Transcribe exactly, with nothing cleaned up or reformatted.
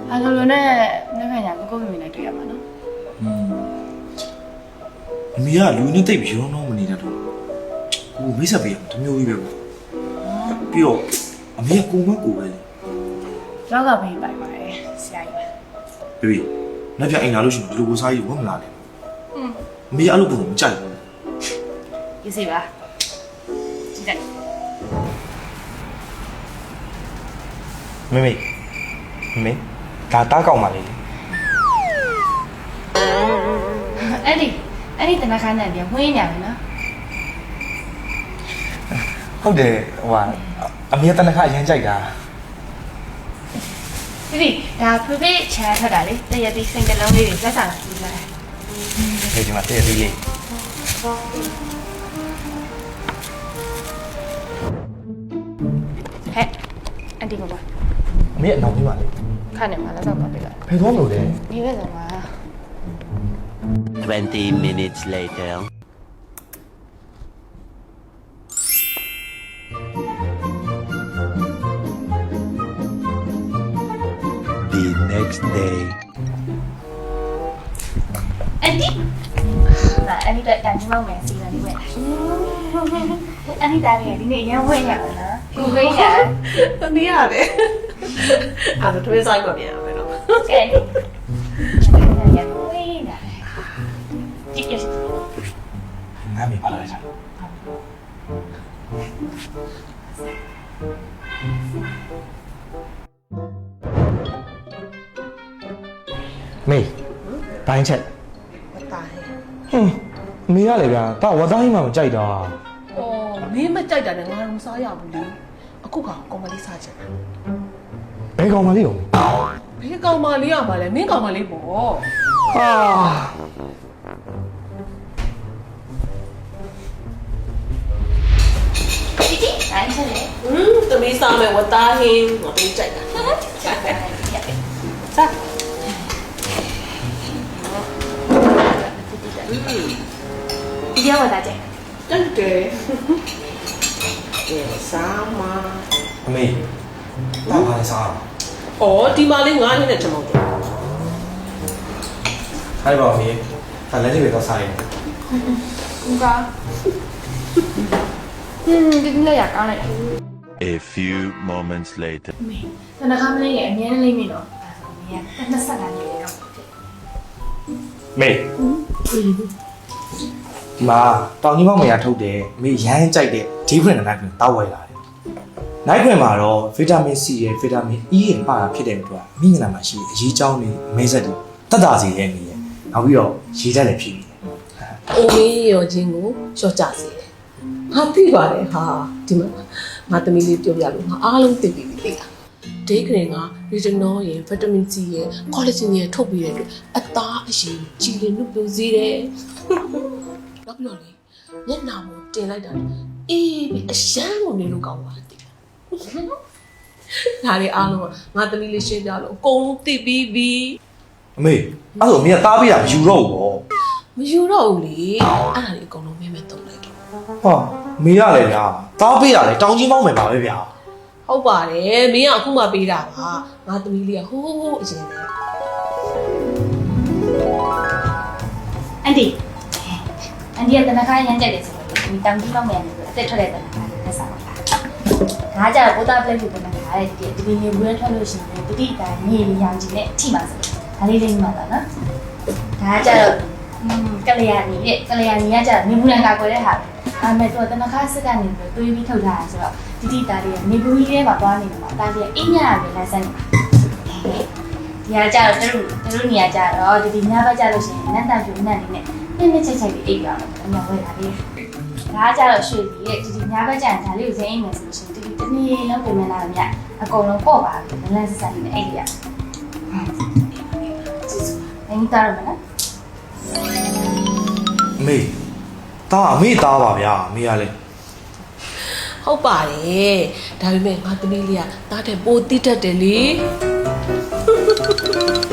ဘာလို့လဲနဲ့နေ့ခါညာကိုကိုမိမိနဲ့တွေ့ရမှာနော်အမေကလူနဲ့တိတ်ပြီးရုံးတော့မနေတာတော့ကိုမိတ်ဆက်ပေးရတမျိုးကြီးပဲပေါ့ပြီးတော့အမေကကိုမကိုပဲလေယောဂဘေးပိုင်ပါတယ်ဆရာကြီးပဲဘေဘီနောက်ပြအိမ်လာလို့ရှိရင်ဒီလိုကိုစားကြီးဝတ်မလာနဲ့อืมအမေကအဲ့လိုပုံမကြိုက်ဘူးရေးစီပါကြည့်တယ်မေမေမေဒါတားကောက်ပါလေအဲ့ဒီအဲ့ဒီတနခါနဲ့ပြန်ဝင်းညာပြီနော်ဟုတ်တယ်ဟိုကအမေတနခါအရင်ကြိုက်တာဒီဒီဒါဖေဖေချာထွက်တာလေတရတိစိတ်နှလုံးလေးတွေလက်ဆောင်ကြည့်လိုက်ဒီဒီမှာတည့်ရသေးလေးဟဲ့အန်တီကပါအမေအနောက်ကြီးပါလေခါနေမှာလက်ဆောင်ပါပေးလိုက်ဖယ်သွားမလို့လေဒီဘက်ဆောင်ပါ Twenty minutes later. The next day. အန်တီဒါအန်တီတက်တန်ချမောင်းမယ်စီလာလေးပဲအန်တီတားလေးဒီနေ့ရမ်းဝဲရတာနော်ကိုဝဲရတမီးရတယ်အဲ့ဒါထွေးဆိုင်ပါပြန်ရမယ်နော်ကဲရမ်းဝဲတာကြည့်ရစီငါမေပါလာလိုက်တာမေဘိုင်းချက်ဝတ်သားဟဲ့ဟင်းအမေရလေဗျာဒါဝတ်သားကြီးမှမကြိုက်တာအော်မင်းမကြိုက်တာနဲ့ငါတော့မစားရဘူးလေအခုကကောင်မလေးစားချင်တာဘယ်ကောင်မလေးရောဘယ်ကောင်မလေးရမှာလဲမင်းကောင်မလေးပေါ့ဟာဒီဒီအဲ့ချက်လေဟွန်းတမီးစားမယ်ဝတ်သားဟင်းငါပေးကြိုက်တာစားတယ်ရပြီစားဒီရောက်လာကြတယ်တက်တယ်ကဲစားမအမေတာပါလေစားအော်ဒီမလေးငါးဟင်းနဲ့ချမောက်တယ်အဲ့ပါမေဒါလည်းဒီပဲတော့စားရင်ကူကဟင်းဒီနေ့ရကောင်းလိုက် A few moments later. မေတနခါမလေးရဲ့အမြဲတမ်းလေးမိတော့ဒါဆိုမင်းကနှစ်ဆက်ကနေရတော့ဖြစ်မေဒီမှာတောင်ကြီးမောင်မရထုတ်တယ်မေရမ်းကြိုက်တဲ့ဒီဖရင်နဲ့နိုင်တောက်ဝဲလာတယ်နိုင်ဖရင်မှာတော့ဗီတာမင် C ရဲ့ဗီတာမင် E ရဲ့ပါတာဖြစ်တဲ့အတွက်မိငလာမှာရှိတဲ့အရေးကြောင်းတွေအမဲဆက်တွေတက်တာစီရဲ့နေရဲ့နောက်ပြီးတော့ရေဓာတ်လည်းဖြစ်နေတယ်အိုမင်းရောချင်းကိုလျှော့ကြစေတယ်ဟာသိပါတယ်ဟာဒီမှာငါသမီးလေးပြောပြလို့ငါအားလုံးသိပြီသိလားဒေးကရင်က retinol ရယ် vitamin C ရယ် collagen ရယ်ထုတ်ပြီးတဲ့အတွက်အသားအရည်ကြည်လင်လို့ပြောစေတယ်နောက်ပြီးတော့လေမျက်နှာပေါ်တင်လိုက်တာအေးပြီးအရှမ်းကိုနေလို့ကောင်းပါတယ်သိလားဒါလေးအားလုံးကငါသမီးလေးရှင်းပြလို့အကုန်လုံးသိပြီးပြီအမေအဲ့ဆိုအမေကတားပေးတာမယူတော့ဘူးပေါ့မယူတော့ဘူးလေအဲ့ဒါလေးအကုန်လုံးမင်းမဲ့တုံးလိုက်တော့ဟာမေရလေဗျာတားပေးတာလေတောင်ကြီးမောင်းမယ်ပါပဲဗျာဟုတ်ပါတယ်မင်းကအခုမှပေးတာပါငါသမီးလေးကဟိုးဟိုးဟိုးအရင်ကအန်တီအန်တီကတနခါရမ်းကြတယ်ဆိုတော့ဒီတောင်ကြီးလောက်မြန်နေဆိုအသက်ထွက်တဲ့တနခါလက်ဆောင်ပါဒါကြတော့ဘုသားပလက်ဖြစ်တနခါရဲ့ဒီဒီနေဘူးရထွက်လို့ရှိရင်တတိတာမြေရောင်ကြီးနဲ့အထိပါဆိုဒါလေးလေးမှတ်ပါနော်ဒါကြတော့ကလျာဏီရဲ့ကလျာဏီကကြတော့မြေဘူးလန်ကာကွယ်တဲ့ဟာအဲ့မဲ့တော့တနခါစစ်ကနေပြီးတွေးပြီးထုတ်ထားတာဆိုတော့တတိတာလေးကမြေဘူးကြီးထဲမှာသွားနေမှာဒါလေးအိညာရမယ်လမ်းဆက်နေဒီကကြတော့တို့တို့နေရာကြတော့ဒီဒီညဘက်ကြလို့ရှိရင်နတ်တန်ပြူနတ်လေးနဲ့နည်းနည်းချိတ်ချိတ်ပြီးအိပ်ရအောင်အများဝဲတာလေးဒါကြတော့ရွှေကြီးရဲ့ဒီဒီညဘက်ကြရင်ဒါလေးကိုစိမ့်အိမ်မယ်ဆိုလို့ရှိရင်ဒီဒီတနည်းလုံးပြင်မလာမြအကုန်လုံးပေါ့ပါပြီလမ်းဆက်ဆက်နေအိပ်ရအင်းတာရမလားအမေတားအမေတားပါဗျာအမေကလည်းဟုတ်ပါတယ်ဒါပေမဲ့ငါသမီးလေးကတားတဲ့ပိုတိတတ်တယ်လေ